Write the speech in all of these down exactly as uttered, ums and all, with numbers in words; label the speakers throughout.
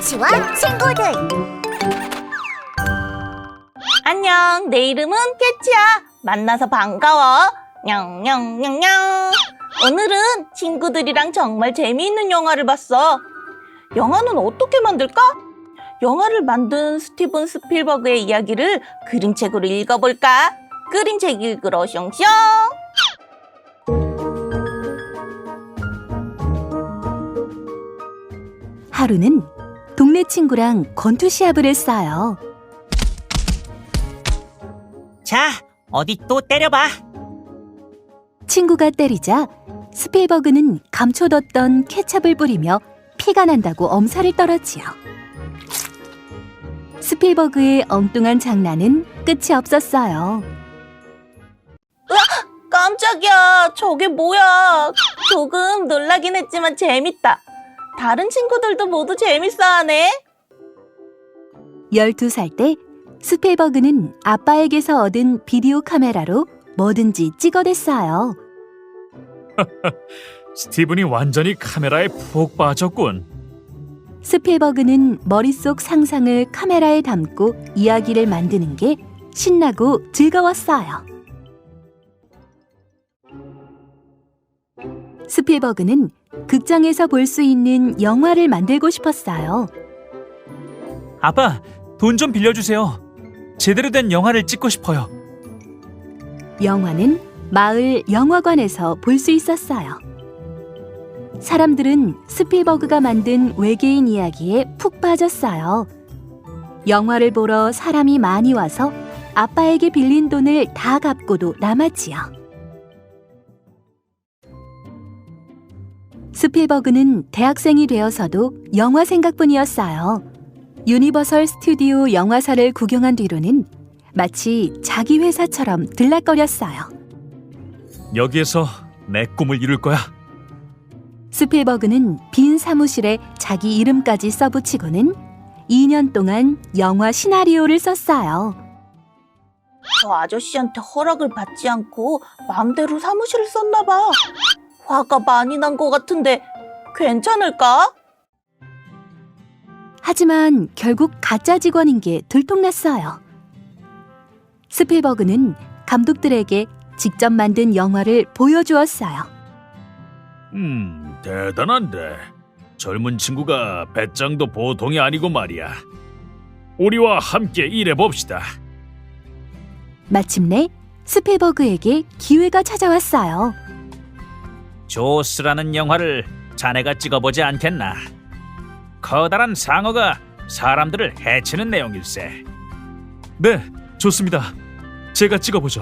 Speaker 1: 캐치와 친구들.
Speaker 2: 안녕, 내 이름은 캐치야. 만나서 반가워. 냥냥냥냥. 오늘은 친구들이랑 정말 재미있는 영화를 봤어. 영화는 어떻게 만들까? 영화를 만든 스티븐 스필버그의 이야기를 그림책으로 읽어볼까? 그림책 읽으러 숑숑.
Speaker 3: 하루는 동네 친구랑 권투 시합을 했어요.
Speaker 4: 자, 어디 또 때려봐.
Speaker 3: 친구가 때리자 스필버그는 감춰뒀던 케첩을 뿌리며 피가 난다고 엄살을 떨었지요. 스필버그의 엉뚱한 장난은 끝이 없었어요.
Speaker 2: 깜짝이야, 저게 뭐야? 조금 놀라긴 했지만 재밌다. 다른 친구들도 모두 재밌어하네.
Speaker 3: 열두 살 때 스필버그는 아빠에게서 얻은 비디오 카메라로 뭐든지 찍어댔어요.
Speaker 5: 스티븐이 완전히 카메라에 푹 빠졌군.
Speaker 3: 스필버그는 머릿속 상상을 카메라에 담고 이야기를 만드는 게 신나고 즐거웠어요. 스필버그는 극장에서 볼 수 있는 영화를 만들고 싶었어요.
Speaker 5: 아빠, 돈 좀 빌려주세요. 제대로 된 영화를 찍고 싶어요.
Speaker 3: 영화는 마을 영화관에서 볼 수 있었어요. 사람들은 스필버그가 만든 외계인 이야기에 푹 빠졌어요. 영화를 보러 사람이 많이 와서 아빠에게 빌린 돈을 다 갚고도 남았지요. 스필버그는 대학생이 되어서도 영화 생각뿐이었어요. 유니버설 스튜디오 영화사를 구경한 뒤로는 마치 자기 회사처럼 들락거렸어요.
Speaker 5: 여기에서 내 꿈을 이룰 거야.
Speaker 3: 스필버그는 빈 사무실에 자기 이름까지 써붙이고는 이 년 동안 영화 시나리오를 썼어요.
Speaker 2: 저 아저씨한테 허락을 받지 않고 마음대로 사무실을 썼나 봐. 화가 많이 난 것 같은데 괜찮을까?
Speaker 3: 하지만 결국 가짜 직원인 게 들통났어요. 스필버그는 감독들에게 직접 만든 영화를 보여주었어요.
Speaker 5: 음, 대단한데. 젊은 친구가 배짱도 보통이 아니고 말이야. 우리와 함께 일해봅시다.
Speaker 3: 마침내 스필버그에게 기회가 찾아왔어요.
Speaker 4: 조스라는 영화를 자네가 찍어보지 않겠나? 커다란 상어가 사람들을 해치는 내용일세.
Speaker 5: 네, 좋습니다. 제가 찍어보죠.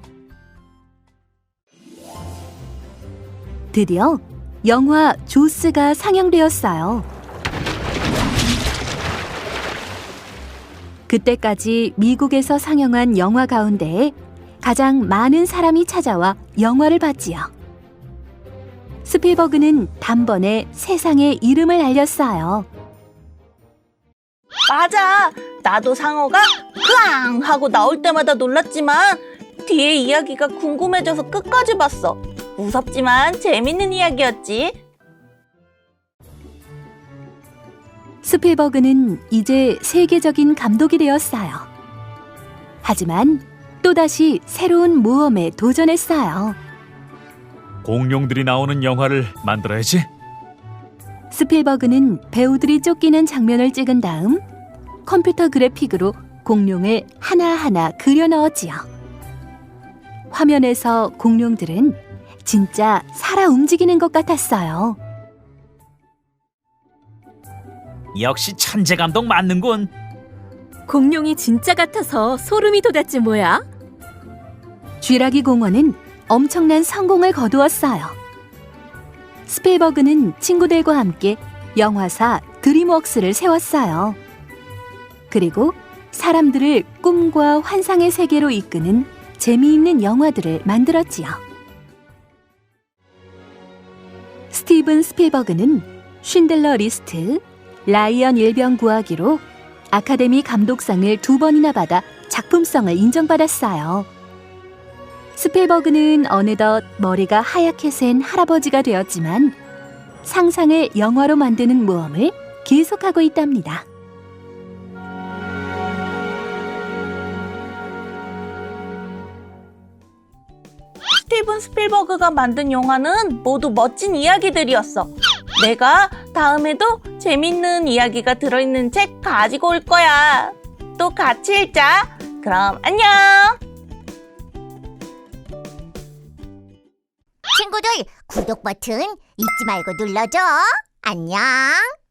Speaker 3: 드디어 영화 조스가 상영되었어요. 그때까지 미국에서 상영한 영화 가운데 가장 많은 사람이 찾아와 영화를 봤지요. 스필버그는 단번에 세상에 이름을 알렸어요.
Speaker 2: 맞아. 나도 상어가 크앙 하고 나올 때마다 놀랐지만 뒤에 이야기가 궁금해져서 끝까지 봤어. 무섭지만 재밌는 이야기였지.
Speaker 3: 스필버그는 이제 세계적인 감독이 되었어요. 하지만 또다시 새로운 모험에 도전했어요.
Speaker 5: 공룡들이 나오는 영화를 만들어야지.
Speaker 3: 스필버그는 배우들이 쫓기는 장면을 찍은 다음 컴퓨터 그래픽으로 공룡을 하나하나 그려 넣었지요. 화면에서 공룡들은 진짜 살아 움직이는 것 같았어요.
Speaker 4: 역시 천재 감독 맞는군.
Speaker 6: 공룡이 진짜 같아서 소름이 돋았지 뭐야?
Speaker 3: 쥐라기 공원은 엄청난 성공을 거두었어요. 스필버그는 친구들과 함께 영화사 드림웍스를 세웠어요. 그리고 사람들을 꿈과 환상의 세계로 이끄는 재미있는 영화들을 만들었지요. 스티븐 스필버그는 쉰들러 리스트, 라이언 일병 구하기로 아카데미 감독상을 두 번이나 받아 작품성을 인정받았어요. 스필버그는 어느덧 머리가 하얗게 센 할아버지가 되었지만 상상을 영화로 만드는 모험을 계속하고 있답니다.
Speaker 2: 스티븐 스필버그가 만든 영화는 모두 멋진 이야기들이었어. 내가 다음에도 재밌는 이야기가 들어있는 책 가지고 올 거야. 또 같이 읽자. 그럼 안녕.
Speaker 1: 친구들, 구독 버튼 잊지 말고 눌러줘. 안녕.